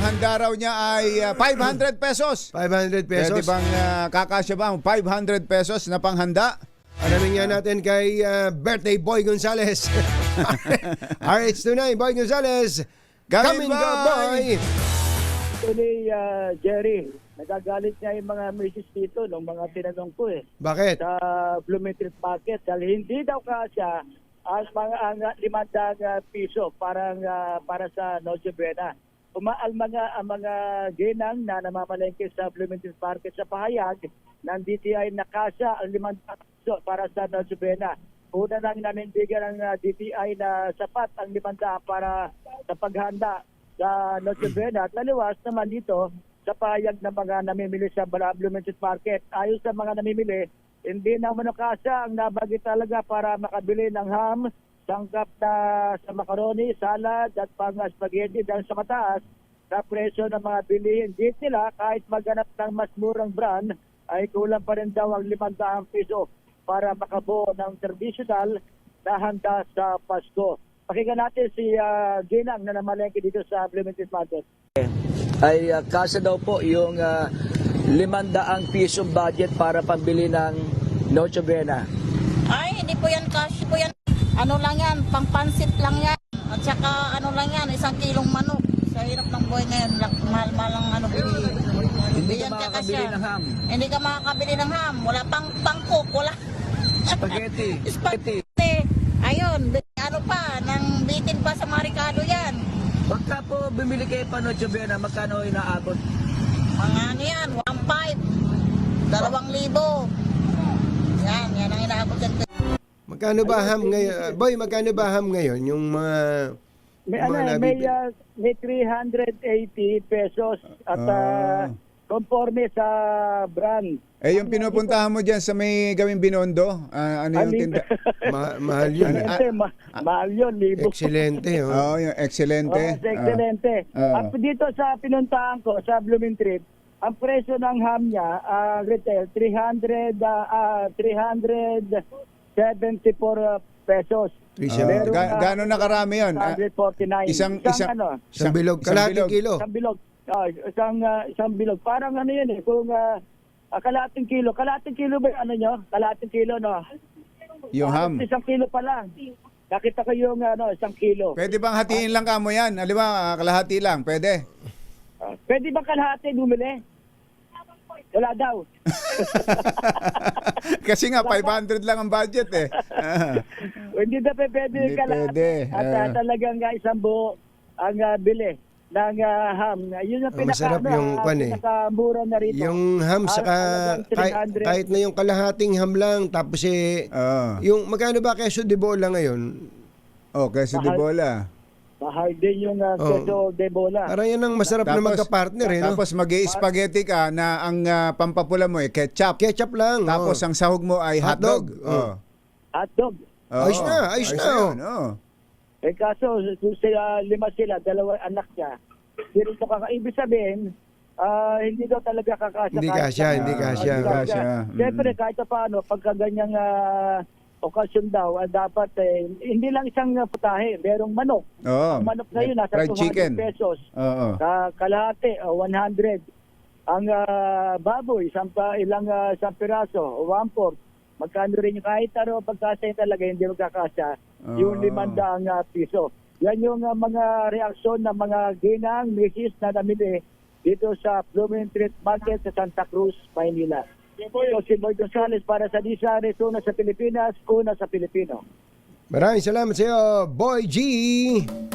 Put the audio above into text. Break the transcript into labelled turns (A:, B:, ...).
A: panghanda raw niya ay 500 pesos.
B: 500 pesos.
A: Pwede bang kakasya ba ang 500 pesos na panghanda?
B: Alamin nga natin kay birthday boy Gonzales. RH29 Boy Gonzales.
A: Come in,
B: Go, boy!
C: Actually, Jerry, nagagalit niya yung mga misis dito nung mga tinanong ko
B: Bakit?
C: sa Bloomington Market dahil hindi daw kasya ang mga ang 500 piso para sa Noche Buena. Ang mga ginang na namamalengke sa Bloomington Market sa pahayag ng DTI na kasya ang 500 piso para sa Noche Buena. Una lang nanindigan ng DTI na sapat ang 500 para sa paghanda sa Noche Buena. At naliwas naman dito sa pahayag ng mga namimili sa Bloomington Market. Ayon sa mga namimili, hindi na manukasa ang nabagi talaga para makabili ng ham, sangkap na sa macaroni, salad at pang spaghetti dahil sa mataas sa presyo ng mga bilihin. Dito nila kahit maghanap ng mas murang brand ay kulang pa rin daw ang 500 piso para makabuo ng traditional na handa sa Pasko. Pakinggan natin si Ginang na namalengke dito sa Bloomington Market.
D: Ay kasya daw po yung 500 pisong budget para pambili ng Noche Buena.
E: Ay, hindi po yan cash po yan. Ano lang yan, pangpansit lang yan. At saka ano lang yan, 1 kilong manok. Sa hirap ng buhay ngayon, mahal-mahal ang ano bilihin.
D: Hindi ka
E: yan
D: makakabili
E: kakasya.
D: ng ham.
E: Hindi ka makakabili ng ham. Wala pang pangkok, wala.
D: Spaghetti.
E: Spaghetti. Ayun, ano pa, nang bitin pa sa Maricado yan.
D: Pagka po bumili kayo pa Noche Buena, magkano inaabot?
E: Mga ano yan, 1,500. 2,000. Yan ang inaabot yan.
B: Magkano ba ham ngayon? Boy, magkano ba ham ngayon? Yung mga...
C: May 380 pesos at conforme sa brand.
A: Eh, yung pinupuntahan mo dyan sa may gawing Binondo, ano yung tinda?
B: mahal yun.
C: Mahal yun, libo.
B: Excelente. Oh.
A: Oo, yung excelente.
C: Excelente. At dito sa pinuntahan ko, sa Bloomington, ang presyo ng ham niya, retail, 374 pesos.
A: Gano'n na karami yun?
C: 149.
A: Isang
B: bilog. Kalahating kilo.
C: Isang bilog. Isang bilog. Parang ano yun kung kalahating kilo. Kalahating kilo ba ano nyo? Kalahating kilo, no?
A: Yung ham.
C: 1 kilo pa lang. Nakita ko yung 1 kilo.
A: Pwede bang hatiin lang kamo yan? Halimbawa, kalahati lang. Pwede?
C: Pwede ba kalahati bumili? Wala daw.
A: Kasi nga, 500 lang ang budget eh.
C: Hindi na pwede
A: Hindi
C: kalahati.
A: pwede.
C: At talagang isang buo ang bili ng ham. Yun yung
B: Masarap yung
C: pinakamura na rito.
B: Yung ham saka kahit na yung kalahating ham lang tapos yung magkano ba keso de bola ngayon?
A: Oh, keso de bola.
C: Mahal din yung keso de bola.
B: Parang yan ang masarap na magka-partner no?
A: Tapos mag-i-spaghetti ka na ang pampapula mo ketchup.
B: Ketchup lang.
A: Tapos ang sahog mo ay hotdog.
C: Hotdog.
B: Ayos na.
A: Yun,
C: Kaso, kung 5 sila, 2 anak niya, hindi rin ito ibig sabihin, hindi daw talaga kakasya.
B: Hindi kasya.
C: Siyempre, kahit paano, pagka ganyang okasyon daw, dapat, hindi lang isang putahe, merong manok. Ang manok na yun, nasa 200 pesos. Kalahati, 100. Ang baboy, isang piraso, 1/4. Magkano rin yung kahit pagkasya talaga, hindi magkakasya. Yung 500 piso. Yan yung mga reaksyon ng mga ginang, misis na namili dito sa Bloomington Market sa Santa Cruz, Maynila. So, si Boy Gonzales para sa Disares, una sa Pilipinas, una sa Pilipino.
B: Maraming salamat sa iyo, Boy G!